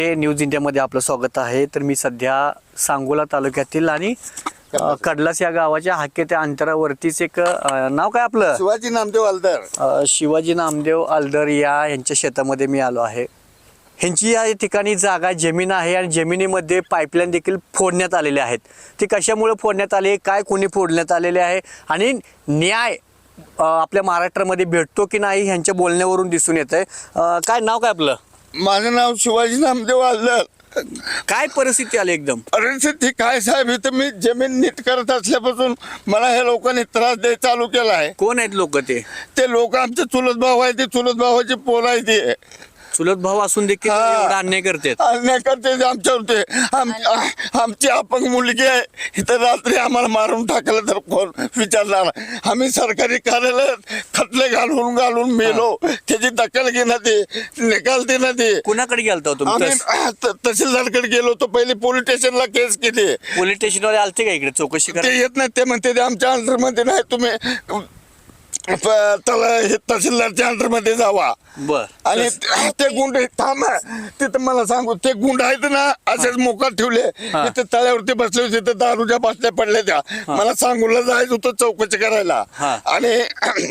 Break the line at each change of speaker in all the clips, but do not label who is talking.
News इंडियामध्ये आपलं स्वागत आहे। तर मी सध्या सांगोला तालुक्यातील आणि कडलास या गावाच्या हाकेच्या अंतरावरतीच एक नाव काय आपलं
शिवाजी नामदेव आलदर
शिवाजी नामदेव आलदर यांच्या शेतामध्ये मी आलो आहे। ह्यांची या ठिकाणी जागा जमीन आहे आणि जमिनीमध्ये पाईपलाईन देखील फोडण्यात आलेले आहेत। ती कशामुळे फोडण्यात आली, काय कोणी फोडण्यात आलेले आहे आणि न्याय आपल्या महाराष्ट्रामध्ये भेटतो की नाही ह्यांच्या बोलण्यावरून दिसून येतंय। काय नाव काय आपलं?
माझं नाव शिवाजी नामदेव आलदर।
काय परिस्थिती आली एकदम?
परिस्थिती काय साहेब, इथं मी जमीन नीट करत असल्यापासून मला हे लोकांनी त्रास द्यायला चालू केला आहे।
कोण आहेत लोक? ते
लोक आमचे चुलत भाऊ आहे, ते चुलत भावाची पोर आहे, ते
चुलत भाऊ असून देखील एवढा अन्याय करतात।
अन्याय करते आमच्यावर। आमची अपंग मुलगी आहे, इथं रात्री आम्हाला मारून टाकलं तर कोण विचारणार? आम्ही सरकारी कार्यालयात खटले घालून मेलो, त्याची दखल घेणं ते निकाल देणं ते।
कुणाकडे गेलता तुम्ही?
तहसीलदारकडे गेलो होतो, पहिले पोलीस स्टेशनला केस केली।
पोलीस स्टेशनवर आलते का इकडे चौकशी
ते येत नाही, ते म्हणते ते आमच्या अंडरमध्ये नाही, तुम्ही त्याला हे तहसीलदारच्या अंडरमध्ये जावा।
बर
आणि ते गुंड थांब तिथं मला सांगू, ते गुंड आहेत ना असेच मोकाट ठेवले, तिथे तळ्यावरती बसले होते, तिथे दारूच्या बाटल्या पडल्या त्या। मला सांगूला जायचं होतं चौकशी करायला आणि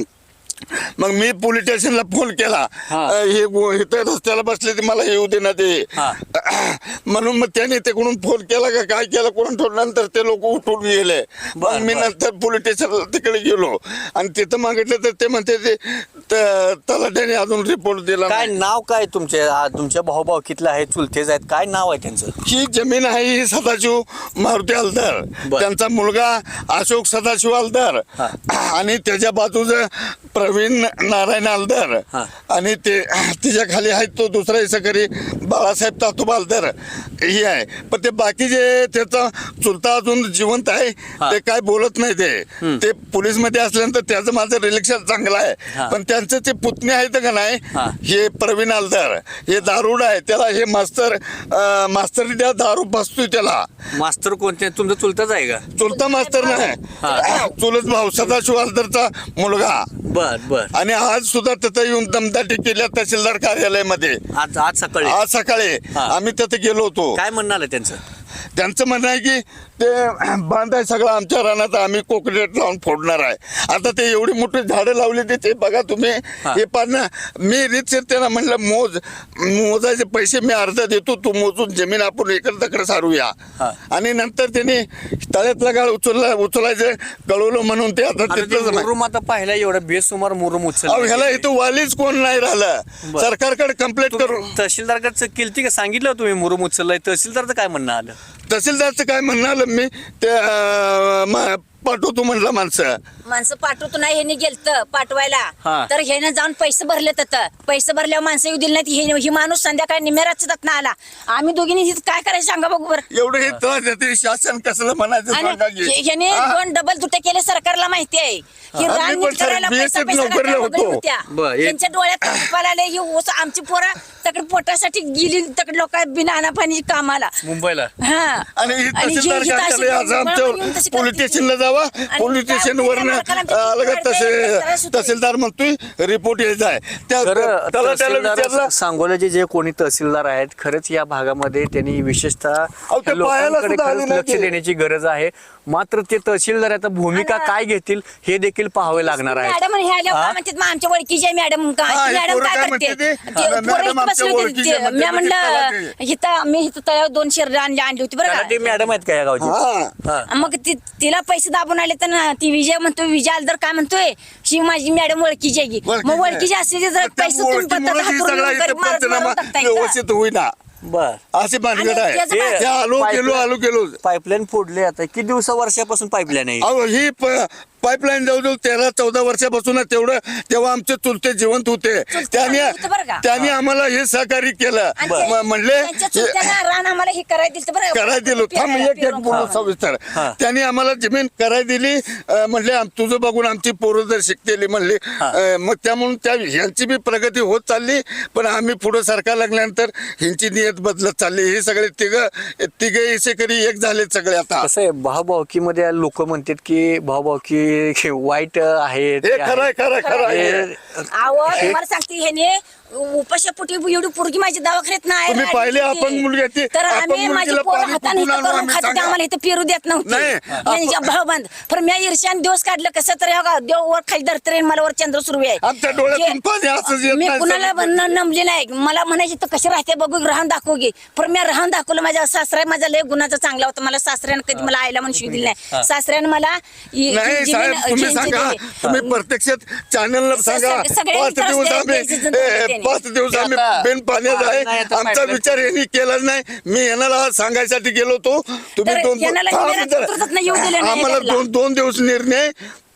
मग मी पोलीस स्टेशनला फोन केला, हे इथे रस्त्याला बसले ते मला येऊ देणार ते म्हणून। मग त्याने तिकडून फोन केला का काय केलं कोण ठेवलं, नंतर ते लोक उठून गेले। मग मी नंतर पोलीस स्टेशनला तिकडे गेलो आणि तिथं मागितलं तर ते म्हणते ते तलाट्याने अजून रिपोर्ट दिला।
काय नाव काय तुमच्या भाऊभावकीतलं आहे, चुलतेच आहेत, काय नाव आहे त्यांचं?
ही जमीन आहे ही सदाशिव मारुती आलदर, त्यांचा मुलगा अशोक सदाशिव आलदर आणि त्याच्या बाजूचं प्रवीण नारायण आलदर आणि ते तिच्या खाली आहेत तो दुसरा सहकारी बाळासाहेब तातोबा आलदर ही आहे। पण ते बाकीचे त्याचा चुलता अजून जिवंत आहे, ते काय बोलत नाही। ते पोलीस मध्ये असल्यानंतर त्याचं माझं रिलेक्शन चांगलं आहे, पण त्यांचं ते पुतणे आहेत का नाही, हे प्रवीण आलदर हे दारुड आहे, त्याला हे मास्तर त्या दारू बसतोय त्याला।
मास्तर कोणते? तुमचा चुलताच आहे का?
चुलता मास्तर नाही, चुलत भाऊ सदाशिव आलदरचा मुलगा।
बर बर।
आणि आज सुद्धा तिथं येऊन दमदाटी केल्या तहसीलदार कार्यालयामध्ये।
आज
सकाळी आम्ही तिथे गेलो होतो।
काय म्हणणं आलं
त्यांचं म्हणणं आहे की ते बांधाय सगळं आमच्या रानात आम्ही कोकनेट लावून फोडणार आहे। आता ते एवढी मोठी झाडं लावली ते बघा तुम्ही, हे पाहणं मी रीतसर त्यांना म्हणलं मोजायचे पैसे मी अर्धा देतो, तू मोजून जमीन आपण इकडं तिकडं सारूया। आणि नंतर त्यांनी तळ्यातला गाळ उचलायचं कळवलं म्हणून ते आता
मुरुम आता पाहिला एवढा बेसुमार मुरुम उचल
ह्याला इथं वालीच कोण नाही राहिलं, सरकारकडे कंप्लेंट करू।
तहसीलदारकडे केलती का? सांगितलं तुम्ही मुरुम उचललाय, तहसीलदारचं काय म्हणणं आलं?
तहसीलदारचं काय म्हणणं आलं, मी ते पाठवतो म्हणलं माणसं
पाठवतो नाही, ह्याने गेलतं पाठवायला तर ह्याने जाऊन पैसे भरले, तर पैसे भरल्यावर माणसं येऊ दिली नाही। ही माणूस संध्याकाळी निमेराच ना आला, आम्ही दोघींनी काय करायचं सांगा बघू बरं।
एवढं हे त्रास देते शासन कसलं म्हणायचं?
ह्याने 2 डबल दुटे केले, सरकारला माहिती आहे। ही रान नीट करायला पैसा त्यांच्या डोळ्यात आले, ही आमची पोरं तकड पोटासाठी गेली, तकड लोक बिना अनापाणी कामाला
मुंबईला।
पोलीस स्टेशनला जावा, पोलीस स्टेशन वरनं तहसीलदार म्हणतोय रिपोर्ट यायचा आहे।
सांगोल्याचे जे कोणी तहसीलदार आहेत, खरंच या भागामध्ये त्यांनी विशेषतः लोकांकडे लक्ष देण्याची गरज आहे। मात्र ते तहसीलदार आता भूमिका काय घेतील हे देखील पाहावे लागणार आहे।
मॅडम आमच्या ओळखीचे मॅडम काय करते, मी म्हणलं इथं मी इथं तळ्यावर 2 शेर आणली होती बरं का।
मॅडम आहेत का या गावची?
मग तिला पैसे दाबून आले तर ती विजय म्हणतोय, विजय आलदर काय म्हणतोय, शी माझी मॅडम ओळखीची आहे, मग ओळखीची असले जर पैसे
व्यवस्थित होईना
बर
असे भानगड आहे। आलो गेलो
पाईपलाईन फोडले, आता किती वर्षापासून पाईपलाईन आहे
ही पाईपलाईन जवळजवळ 13-14 वर्षापासून तेव्हा आमचे चुलते जिवंत होते, त्यांनी आम्हाला हे सहकार्य केलं। म्हणले करायला दिलं, थांब एक बोलू सविस्तर। त्यांनी आम्हाला जमीन करायला दिली, म्हणले तुझं बघून आमची पोरं जर शिकतेली म्हणले, मग त्यामुळे ह्यांची बी प्रगती होत चालली, पण आम्ही पुढे सरकार लागल्यानंतर ह्यांची नियत बदलत चालली। हे सगळे तिघे शेतकरी एक झाले सगळे। आता
कसं आहे, भाऊभावकीमध्ये लोक म्हणतात की भाऊभावकी वाईट आहे,
खरं
तुम्हाला सांगते ह्याने उपाशापोटी एवढी पोरगी माझी दवाखान्यात नाही
तुम्ही
राहिली
पाहिले
होती.
अपंग मुलगी आहे ती.
तर
अपंग
आम्ही माझी
मुलगीला
पोरं
पाणी
हाताने
कुठून
इथं
आणू
करून
आम्ही
खात होते,
सांगा.
आम्हाला इथं पेरू देत नव्हते
नाही.
यांच्या भावबंद. पण मी ईर्ष्याने दिवस काढलं कसं तरी हो देव वर खाली धरते मला वर चंद्र सुरू आहे
आमच्या डोळ्यातून पाणी असंच येत
मी
नाही.
कुणाला नमली नाही मला म्हणायची तर कशी राहते बघू राहून दाखवू घे पण मी राहून दाखवलं माझ्या सासरा माझा लय गुणाचा चांगला होता मला सासऱ्यानं कधी मला आईला म्हणून शिव दिली नाही सासऱ्यानं मला
नाही साहेब तुम्ही सांगा तुम्ही प्रत्यक्षात चॅनलला सांगा
सगळे
5 दिवस
त्रास
आम्ही
द्यायचे जनतेने.
5 दिवस आम्ही बिन पाण्यात आहे आमचा विचार यांनी केलाच नाही मी यांना सांगायसाठी गेलो होतो तुम्ही
तर यांना
थांबा जरा.
नेतृत्वातनं येऊ दिलं नाही
आम्हाला
घरला.
दोन दिवस निर्णय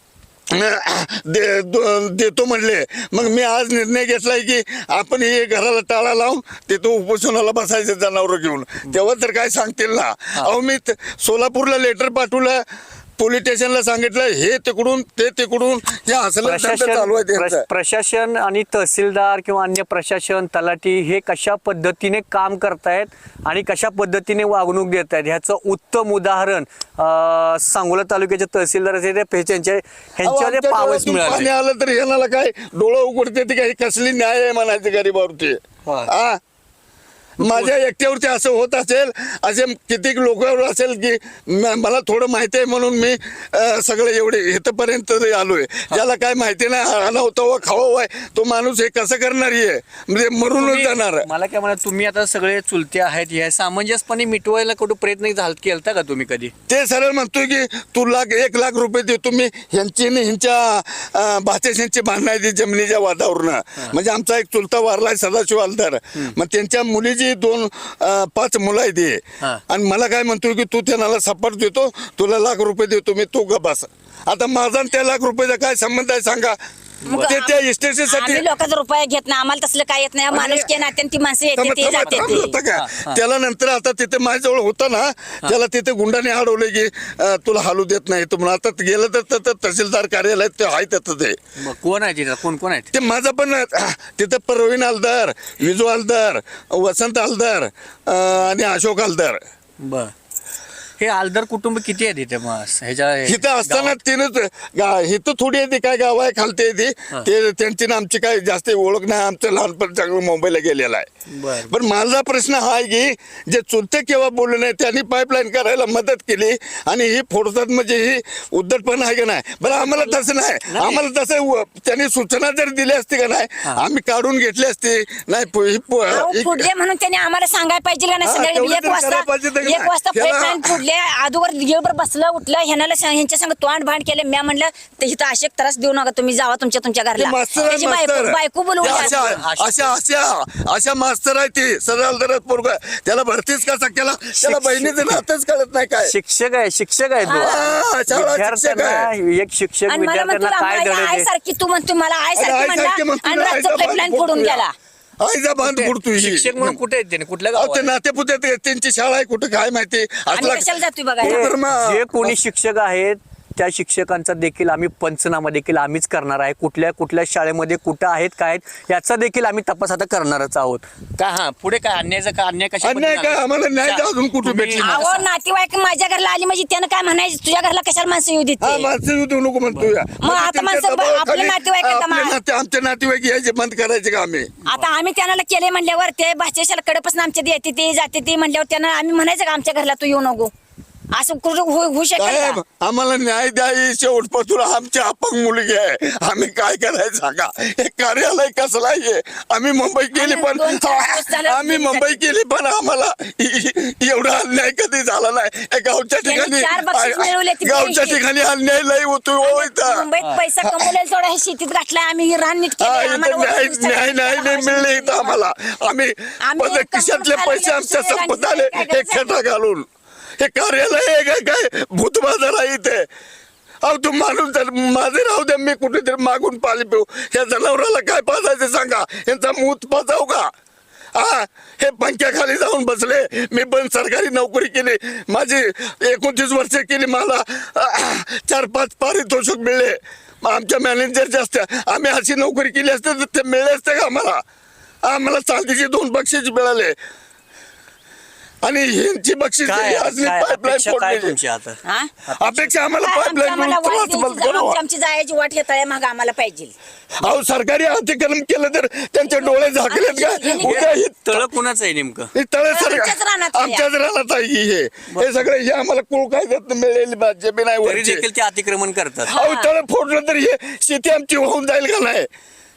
देतो म्हणले मग मी आज निर्णय घेतलाय की आपण हे घराला टाळा लावून तिथं उपोषणाला बसायचं जनावर घेऊन तेव्हा तर काय सांगतील ना अहो मी सोलापूरला लेटर पाठवलं पोलीस स्टेशनला सांगितलं हे तिकडून ते तिकडून हे असलं चालू आहे त्यांचं.
प्रशासन आणि तहसीलदार किंवा अन्य प्रशासन तलाठी हे कशा पद्धतीने काम करतायत आणि कशा पद्धतीने वागणूक देत आहेत ह्याचं उत्तम उदाहरण सांगोला तालुक्याचे तहसीलदार असे ह्यांच्यामध्ये
आमच्या
पावस
डोळ्यातून पाणी
मिळाले.
आलं तर याला काय डोळं उघडते ते काही कसली न्याय आहे म्हणायचे गरीबावरती हा माझ्या एकट्यावरती असं होत असेल असे कितीक लोकांवर असेल की मला थोडं माहिती आहे म्हणून मी सगळे एवढे इथपर्यंत आलोय ज्याला काय माहिती नाही आला होता व खावा आहे तो माणूस हे कसं करणार आहे म्हणजे मरूनच जाणार.
मला काय म्हणा तुम्ही आता सगळे चुलते आहेत हे सामंजस्यपणे मिटवायला कुठं प्रयत्न केलता का तुम्ही कधी?
ते सरळ म्हणतोय की तू 1 लाख रुपये देतो मी ह्यांची ह्यांच्या भाचेशांची भांडणं आहे ती जमिनीच्या वादावरनं म्हणजे आमचा एक चुलता वारलाय सदाशिव हलदार मग त्यांच्या मुलीची 2-5 मुलं आहेत ते आणि मला काय म्हणतोय की तू त्यांना सपाट देतो तुला 1 लाख रुपये देतो मी तू बस आता माझा त्या 1 लाख रुपयाचा काय संबंध आहे सांगा ते त्या इस्टेटीसाठी
आम्ही लोकांचा रुपया घेत नाही आम्हाला तसलं काय येत नाही माणूस के नात्याने ती माणसं येते ते जाते ते
त्याला नंतर आता तिथे माझ्याजवळ होता ना त्याला तिथे गुंडाने अडवले की तुला हालू देत नाही तुम्हाला आता गेलं तर तहसीलदार कार्यालयात ते आहे तिथं ते
कोण आहे तिथं कोण आहेत
ते माझं पण तिथं प्रवीण हलदार विजू हलदार वसंत हलदार आणि अशोक हलदार.
बर हे आलदार कुटुंब किती आहे तिथे मग
इथं असताना तिनंच इथं थोडी येते काय गाव आहे खालते येते ते त्यांची ना आमची काय जास्त ओळख नाही आमचं लहानपण चांगलं मुंबईला गेलेलं आहे पण माझा प्रश्न हा आहे की जे चुलते केव्हा बोलले नाही त्यांनी पाईपलाईन करायला मदत केली आणि ही फोडतात म्हणजे ही उद्धटपण आहे का नाही बरं आम्हाला तसं नाही आम्हाला तसं त्यांनी सूचना जर दिली असती का नाही आम्ही काढून घेतली असती नाही
फुडले म्हणून त्यांनी आम्हाला सांगायला पाहिजे का नाही 1 वाजता पाईपलाईन फुडले अगोदर दिवसभर बसलं उठलं ह्यांच्या संग तोंड भांड केलं मी म्हणलं ते इथं असे त्रास देऊ नका तुम्ही जावा तुमच्या घरला त्याची बायको बोलवून
अशा मास्तर आहे ती सरळ पोरग त्याला भरतीच कसा केला त्याला बहिणीचं नातच कळत नाही काय
शिक्षक आहे एक शिक्षक
आणि मला म्हणतो
विद्यार्थ्यांना काय
आम्हाला आई सारखी तू म्हणतो मला आई सारखी म्हणला आणि रातचं पाईपलाईन फोडून गेला
आईचा बांध पुरतोय
शिक्षक म्हणून कुठे आहेत त्याने कुठल्या
ते
गावात?
नातेपुते त्यांची शाळा आहे कुठं काय माहिती
आणि कशाला जातोय बघा
जे कोणी शिक्षक आहेत त्या शिक्षकांचा देखील आम्ही पंचनामा देखील आम्हीच करणार आहे कुठल्या शाळेमध्ये कुठं आहेत काय आहेत याचा देखील आम्ही तपास आता करणारच आहोत का पुढे काय अन्यायचं का अन्याय कशा
अन्याय काय आम्हाला न्याय अजून कुठे भेटली
अहो नातेवाईक माझ्या घरला आली म्हणजे त्यानं काय म्हणायचं तुझ्या घरला कशाला माणसं येऊ देते
माणसं येऊ देऊ नको म्हणतोय
मग आता माणसं आपल्या नातेवाईक
आमच्या नातेवाईक यायचे बंद करायचे का आम्ही
आता आम्ही त्यांना केले म्हणल्यावर ते भाषेशाला कडेपासून आमच्या येते ते जाते ते म्हणल्यावर त्यांना आम्ही म्हणायचं का आमच्या घरला तू येऊ नको असं होऊ
साहेब
शकत
आम्हाला न्याय द्याय शेवटपासून आमची अपंग मुलगी आहे आम्ही काय करायचं सांगा हे कार्यालय कसलं आहे आम्ही मुंबई केली पण आम्ही मुंबई केली पण आम्हाला एवढा अन्याय कधी झाला नाही गावच्या ठिकाणी अन्याय लय होतो
मुंबईत पैसा कमवलेला थोडा हे शेतीत घातलाय आम्ही रान नीट
न्याय नाही मिळले इथं आम्हाला आम्ही खिशातले पैसे आमच्या संपत आले हे खेटा घालून हे कार्यालय आहे काय भूत बाजार आहे इथे अहो तू माणूस माझे राहू द्या मी कुठेतरी मागून पाणी पिऊ या जनावराला काय पाजायचं सांगा यांचा मूत पाजाव का हे पंख्याखाली जाऊन बसले मी पण सरकारी नोकरी केली माझी 29 वर्ष केली मला 4-5 पारितोषिक मिळले आमच्या मॅनेजर जास्त आम्ही अशी नोकरी केली असते तर ते मिळले असते का आम्हाला चांदीचे 2 बक्षीस मिळाले आणि ह्यांची बक्षीस
काय
ही असली
काय
पाईपलाईन
अपेक्षा काय
फोडण्याची.
तुमची आता
हा?
अपेक्षा आम्हाला
काय आमच्या- आम्हाला वाट
पाईपलाईन
द्यायची,
करावं.
आमची जायची वाट हे मग आम्हाला पाहिजे.
अहो सरकारी अतिक्रमण केलं तर त्यांचे डोळे झाकलेत का उद्या ही
तळ कुणाचं आहे नेमकं?
हे तळे
आमच्याच रानात आहे.
आमच्याच रानात आहे की हे सगळं हे आम्हाला कुळ कायद्यात मिळेल जमीन आहे
तरी
वरची.
देखील ते अतिक्रमण करतात.
अहो तळ फोडलं तर हे शेती आमची होऊन जाईल का नाही?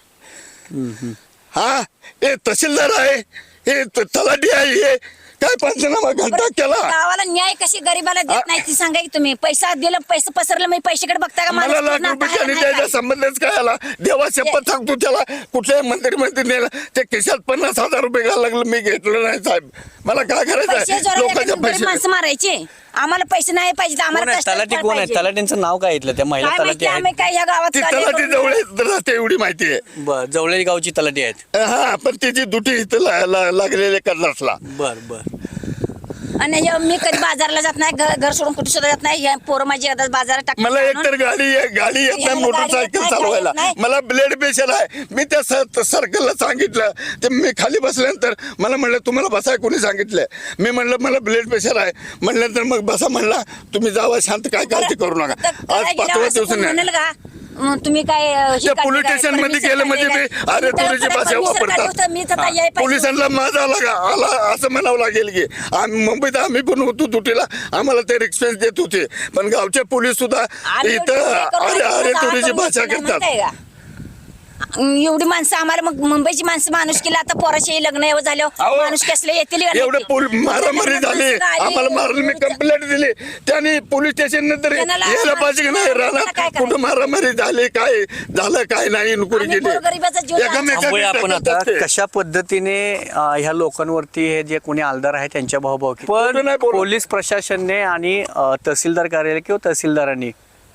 हा हे तहसीलदार आहे, हे तलाठी आहे, हे काय पंचनामा घंटा केला.
गावाला न्याय कशी गरीबाला देत नाही ती सांगा की तुम्ही. पैसा दिलं, पैसे पसरलं, मी पैशाकडे बघता का?
मला
माणूस
लाख
पूर्ण
रुपये
आता
आणि
आहे
त्याचा
काय?
संबंधच काय आला? देवा शपथ सांगतो त्याला कुठल्याही मंदिरमध्ये नेलं ते खिशात 50,000 रुपये घालायला लागलं, मी घेतलं नाही साहेब. मला काय
पैसे
करायचं
जोरात
लोकांचे
एखादी गरीब
पैसे.
माणसं मारायचे. आम्हाला पैसे नाही पाहिजे,
कोण
आम्हाला
आहे?
कष्टाचं
तलाठी
फळ
कोण आहे?
पाहिजे.
तलाठींचं नाव काय इथलं? त्या महिला
काय
तलाठी
माहिती,
आहेत.
आम्ही काय ह्या गावात
ती
कार्य
तलाठी
करून-
जवळ राहते एवढी माहिती आहे.
बर जवळ गावची तलाठी आहेत.
हा पण तिची दुटी इथं लागलेले करणासला.
बर बर.
आणि मी कधी बाजारला जात नाही, घर सोडून कुठे सुद्धा जात नाही. हे पोरं माझी आता बाजारात टाकतात
मला
आणून.
एकतर गाडी येत नाही,
ह्याला
मोटरसायकल
गाडी येत
चालवायला.
नाही.
मला ब्लड प्रेशर आहे. मी त्या सर्कलला सांगितलं, ते मी खाली बसल्यानंतर मला म्हणलं तुम्हाला बसाय कोणी सांगितलंय? मी म्हणलं मला ब्लड प्रेशर आहे. म्हणल्यानंतर मग बसा म्हणला, तुम्ही जावा शांत, काय काळजी करू नका.
तर
आज
करायला
5व्या
गेल्यावर असं कोण
दिवसाने
म्हणेल का तुम्ही काय हे
त्या
काढले
पोलीस
काय,
स्टेशन मध्ये
permission
गेलं म्हणजे
काढले
मी
काय?
अरे
त्याला
तुरीची
परत
भाषा
permission काढली होतं, मी तर याय
वापरतात.
पाहिजे.
पोलिसांना माझा आला असं म्हणावं लागेल की मुंबईत आम्ही पण होतो दुटीला, आम्हाला ते रिक्सपेन्स देत होते. पण गावचे पोलीस सुद्धा
आम्ही
इथं
एवढी हे करून
अरे अरे
जावा
तुरीची
करून
भाषा
नाही
करतात.
म्हणताय का? एवढी माणसं आम्हाला मग मुंबईची माणसं माणूस केला. आता पोराचे लग्न एवढं झालं,
अहो,
माणूस कसले येतील का नाही
एवढं
ते?
मारामारी झाली, आम्हाला मारलं, मी कंप्लेंट दिली. त्यांनी पोलीस स्टेशन नंतर
त्यांना
यायला पाहिजे की नाही
त्यांना
राहणार
काय करायचं?
कुठं मारामारी झाली, काय झालं काय नाही इन्क्वायरी
आम्ही
केली.
गोरगरिबाचा जीव
थांबूया आपण आता
एकमेकांना
कशा पद्धतीने ह्या लोकांवरती हे जे कोणी आलदार आहे त्यांच्या भाऊभावकी
बोलू
पण
नाही बोलू.
पोलीस प्रशासनाने आणि तहसीलदार कार्यालय किंवा तहसीलदारांनी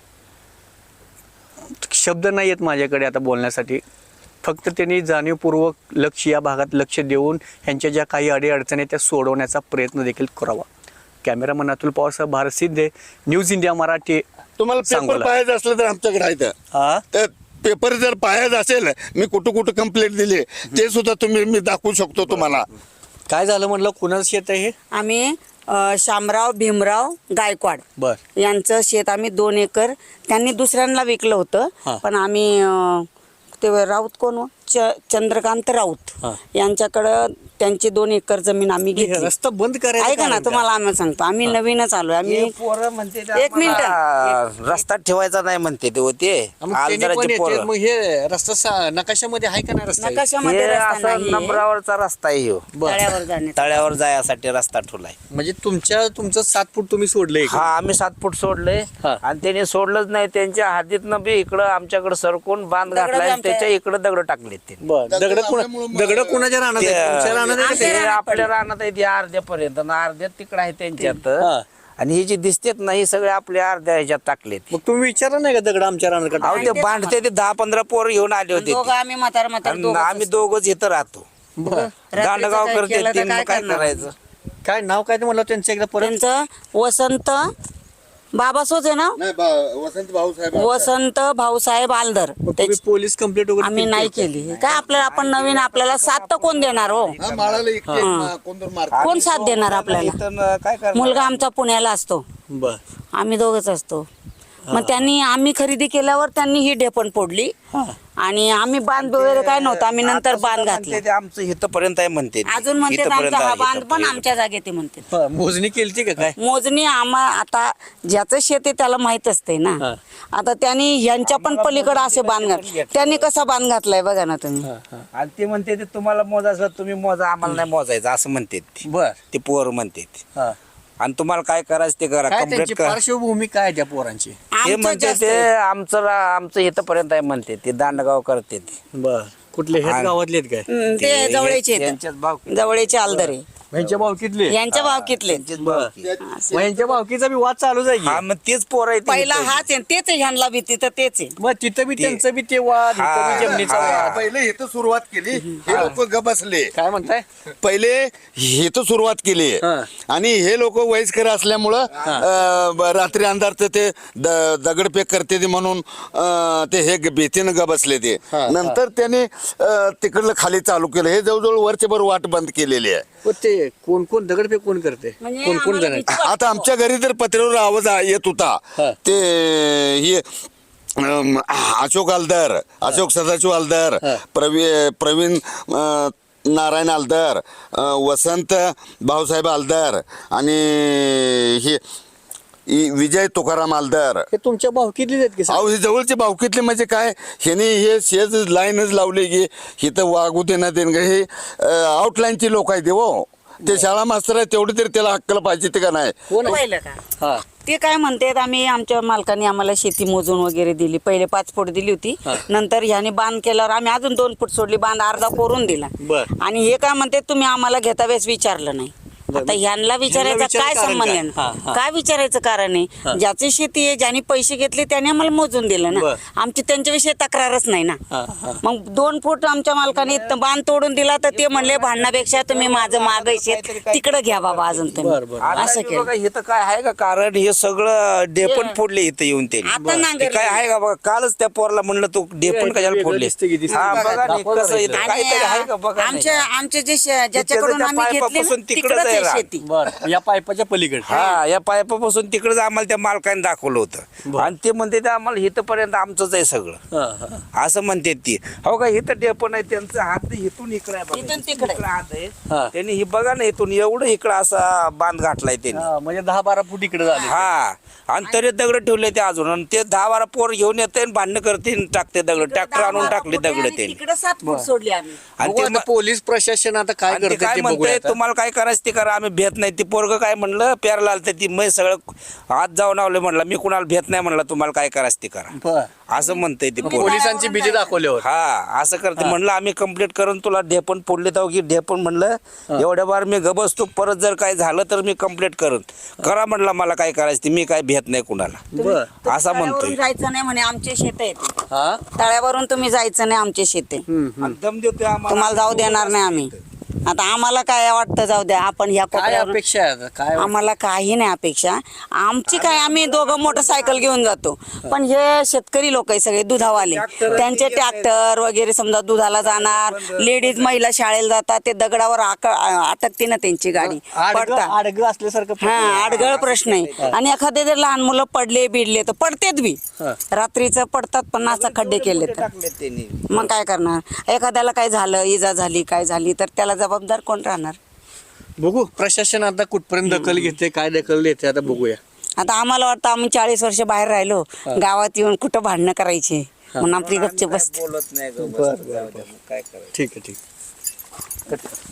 शब्द नाही आहेत माझ्याकडे आता बोलण्यासाठी. फक्त त्यांनी जाणीवपूर्वक लक्ष या भागात लक्ष देऊन ह्यांच्या ज्या काही अडीअडचणी आहेत त्या सोडवण्याचा प्रयत्न देखील करावा. कॅमेरामन अतुल पवारसह भारत सिद्धे, न्यूज इंडिया मराठी.
तुम्हाला पेपर
सांगोला.
पाहायचं असलं तर आमच्याकडे आहे
हा
तर पेपर जर पाहायचं असेल, मी कुठं कुठं कंप्लेंट दिली ते सुद्धा मी दाखवू शकतो तुम्हाला.
काय झालं म्हटलं, कुणाचं शेत आहे हे?
आम्ही शामराव भीमराव गायकवाड
बर
यांचं शेत आम्ही 2 एकर त्यांनी दुसऱ्यांना विकलं
हा.
होतं. पण आम्ही ते राऊत कोण हो? चंद्रकांत राऊत
हा.
यांच्याकडं त्यांची 2 एकर जमीन आम्ही
हे
घेतली.
रस्ता बंद करायचं
ऐका ना,
कारण
तुम्हाला आम्ही सांगतो, आम्ही नवीनच आलोय. आम्ही
पोरं म्हणते
एक मिनिट.
रस्ता ठेवायचा नाही म्हणते ते होते
मग त्यांनी पण
आलदाराचे
येते,
पोरं
मग हे रस्ता नकाशामध्ये आहे का नाही रस्ता?
नकाशामध्ये
हे
रस्ता
असा
नाहीये.
नंबरावरचा रस्ता आहे ह्यो.
बरं.
तळ्यावर जाण्याचा.
तळ्यावर जायसाठी रस्ता ठेवलाय.
म्हणजे तुमचं 7 फूट तुम्ही सोडले
हा आम्ही 7 फूट सोडले
हा.
आणि त्यांनी सोडलंच नाही. त्यांच्या हद्दीतनं बी इकडं आमच्याकडे सरकून बांध
दगडं
घातलाय आणि
आमच्या-
त्याच्या इकडे दगड टाकलेत ते.
दगड कुणाच्या राहणार तुमच्या राहणार आहे का
ते
ते?
आपल्या रानात आहे ते अर्ध्यापर्यंत आणि अर्ध्यात तिकडे आहे त्यांच्यात.
हा.
आणि हे जे दिसतेत ना हे सगळे आपल्या अर्ध्या ह्याच्यात टाकलेत.
मग तुम्ही विचारा नाही का दगड आमच्या राहणार का?
अहो ते बांधते ते 10-15 पोर घेऊन आले होते
दोघं
ते.
आम्ही म्हातार
आणि आम्ही दोघंच इथं राहतो. दांडगाव
काय
करते
केलं तर
ते, मग
काय
काय
करणार?
करायचं?
काय नाव काय ते म्हणलं त्यांचं एकदा परत?
त्यांचं वसंत बाबासोच आहे ना, वसंत भाऊसाहेब आलदर.
मग तुम्ही पोलीस कंप्लेंट वगैरे
आम्ही
केली
नाही
का?
केली. काय आपल्याला, आपण नवीन, आपल्याला साथ तर कोण देणार हो? कोण साथ देणार आपल्याला?
इथं काय करणार?
मुलगा आमचा पुण्याला असतो,
बर
आम्ही दोघच असतो. मग त्यांनी, आम्ही खरेदी केल्यावर त्यांनी ही ढेपण फोडली आणि आम्ही बांध वगैरे काय नव्हतं, आम्ही नंतर बांध
म्हणते
घातले.
ते आमचं इथपर्यंत आहे म्हणते ते.
अजून म्हणते
इथपर्यंत
आमचा हा
आहे,
बांध पण
इथपर्यंत.
आमच्या जागेत आहे म्हणते.
हा, मोजणी केली का काय?
मोजणी आता ज्याचं शेत आहे त्याला माहित असते ना.
हा.
आता त्यांनी ह्यांच्या पण पलीकडे असे बांध घातले. त्यांनी कसा बांध घातलाय बघा ना तुम्ही.
आणि ते म्हणते ते तुम्हाला मोजायचं तुम्ही मोजा, आम्हाला नाही मोजायचं असं म्हणते ते.
बर
ते पोर म्हणते ते.
हा.
आणि तुम्हाला काय करायचं ते करा,
काय
कंप्लीट
त्यांची
करा.
पार्श्वभूमी काय आहे त्या पोरांची?
ते
आमचं
म्हणते
जास्त
ते
आहे.
आमचं इथपर्यंत आहे म्हणते ते. दांडगाव करते ते.
बर कुठले हेच
आणि-
गावातले आहेत काय?
ते जवळचे आहेत.
त्यांच्याच भाव
जवळचे आलदरे
ह्यांच्या भावकीतले?
यांच्या भावकीतले.
बर मग ह्यांच्या भावकीचा बी वाद चालू जाईल.
हा मग तेच पोर आहे ते
पहिला
इथं.
हाच आहे, तेच आहे, ह्यांना बी तिथं तेच आहे.
मग तिथं बी त्यांचं बी ते वाद, इथं
हा,
बी जमिनीचा
हा.
वाद.
पहिले इथं सुरुवात केली, हे लोक ग बसले.
काय म्हणताय?
पहिले इथं सुरुवात केली
हा.
आणि हे लोक वयस्कर असल्यामुळं रात्री अंधारचं ते दगडफेक करते ते म्हणून ते हे भीतीनं ग बसले ते. नंतर त्याने तिकडलं खाली चालू केलं. हे जवळजवळ वरचे भर वाट बंद केलेली आहे.
हो, ते आहे कोण कोण दगडफेक कोण करते
म्हणजे
कोण कोण
आम्हाला
जण
भीती वाटते.
आता आमच्या घरी तर पत्र्यावर आवाज येत होता
हा.
ते हे अशोक आलदार अशोक सदाशिव आलदार
हा.
प्रवीण नारायण आलदार वसंत भाऊसाहेब आलदार आणि हे विजय तुकाराम आलदार.
हे तुमच्या भावकीतलीच आहेत की
अहो हे जवळचे भावकीतले म्हणजे काय ह्याने हे शेज लाईनच लावले की इथं वागू दे ना देणं हे आउटलाईनचे लोक आहेत हो ते शाळा मास्तर आहे तेवढे तरी त्याला अक्कल पाहिजे ते का नाही.
कोण आहे?
पाहिलं का
हा
ते काय म्हणतात आम्ही आमच्या मालकाने आम्हाला शेती मोजून वगैरे दिली पहिले 5 फूट दिली होती नंतर ह्याने बांध केल्यावर आम्ही अजून 2 फूट सोडली बांध अर्धा कोरून दिला
बर.
आणि हे काय म्हणते तुम्ही आम्हाला घेता वेळेस विचारलं नाही आता ह्यांना विचारायचं
विचारायचं
काय
कारण
संबंध
काय?
आहे?
हा, हा.
काय विचारायचं कारण आहे ज्याची शेती आहे ज्याने पैसे घेतले त्याने आम्हाला मोजून दिलं ना
बर.
आमची त्यांच्याविषयी तक्रारच नाही ना
हा, हा.
मग 2 फूट आमच्या मालकाने बांध तोडून दिला तर ते म्हणले भांडण्यापेक्षा तुम्ही माझं माग शेत तिकडे घ्या बाबा अजून
बर,
तुम्ही
बर.
असं
आता
केलं
बघा इथं काय आहे का कारण हे सगळं डेपण फोडले इथं येऊन
आता
त्यांनी
नांगरलं.
काय आहे का बघा कालच त्या पोरला म्हणलं तू डेपण
वेगळं
कशाला फोडले
दिसतं की दिसतं.
हा बघा नाही
दाखवा
कसं
जरा
इथं
इथं.
काहीतरी आहे का बघा नाही.
आमचे जे ज्याच्याकडून
त्या
आम्ही घेतले
पाईपापासून
ना,
तिकडंच
तिकडंच
आहे
आहे
रान.
शेती
बर या पाईपाच्या पलीकडे
हा या पाईपापासून तिकडे आम्हाला त्या मालकाने दाखवलं होतं आणि ते म्हणते ते आम्हाला इथपर्यंत आमचंच आहे सगळं
हा, हा.
असं म्हणते ती हो का इथं डेपण आहे त्यांचं हात इथून इकडे आहे बघा.
इथून तिकडे.
इकडं हात आहे
हा.
त्यांनी ही बघा ना इथून एवढं इकडं असा बांध घातलाय त्यांनी
हा, म्हणजे 10-12 फूट इकडे झाले
हा आणि तरी दगड ठेवले ते अजून आणि ते 10-12 पोर घेऊन येते आणि भांडणं करते आणि टाकते दगड ट्रॅक्टर आणून टाकले दगड त्यांनी
तिकडे 7 फूट सोडली आम्ही
आणि
बघू
ते
आता पोलीस प्रशासन आता काय
आणि ते
करते
काय
ते बघूया
म्हणते
आता.
तुम्हाला काय करायचं ते करा आम्ही भेट नाही ती पोरग काय म्हणलं प्यारला आलं ती मै सगळं आत जाऊन आवले म्हणलं मी कुणाला भेट नाही म्हणलं तुम्हाला काय करायचं ते करा
बर.
असं म्हणतंय ते पोरगं.
पोलिसांची भीती दाखवल्यावर
हा असं करते म्हणलं आम्ही कंप्लीट करून तुला ढेपण फोडले तर की ढेपण म्हणलं एवढ्या बार मी गबसतो परत जर काय झालं तर मी कंप्लीट करून करा म्हणलं मला काय करायचं ते मी काय भेट नाही कुणाला
बर
असा
तळ्यावरून
म्हणतोय
जायचं नाही म्हणे आमचे शेत आहेत
हा
तळ्यावरून तुम्ही जायचं नाही आमचे शेत आहे
आणि दम देतोय आम्हाला
तुम्हाला जाऊ देणार नाही आम्ही आता आम्हाला काय वाटतं जाऊ द्या आपण ह्या
काय
कोपऱ्यावरून
अपेक्षा आहे आता? काय
आम्हाला काही नाही अपेक्षा आमची काय आम्ही दोघं मोटरसायकल घेऊन जातो पण हे शेतकरी लोक आहे सगळे दुधावाले त्यांचे ट्रॅक्टर वगैरे समजा दुधाला जाणार लेडीज महिला शाळेला जातात ते दगडावर अटकते ना त्यांची गाडी पडतात
आडगं असल्यासारखं
हा आडगळ प्रश्न आहे आणि एखादे जर लहान मुलं पडले बिडले तर पडतेच बी रात्रीचं पडतात पण असं खड्डे केले तर
टाकले त्यांनी
मग काय करणार एखाद्याला काय झालं इजा झाली काय झाली तर त्याला जबाबदार कोण राहणार
बघू प्रशासन आता कुठपर्यंत दखल घेते काय दखल देते आता बघूया.
आता आम्हाला वाटतं आम्ही 40 वर्ष बाहेर राहिलो गावात येऊन कुठं भांडणं करायची म्हणून आपली गपचे बसते
बोलत नाही
बरं, बरं,
काय करायचं
ठीक आहे ठीक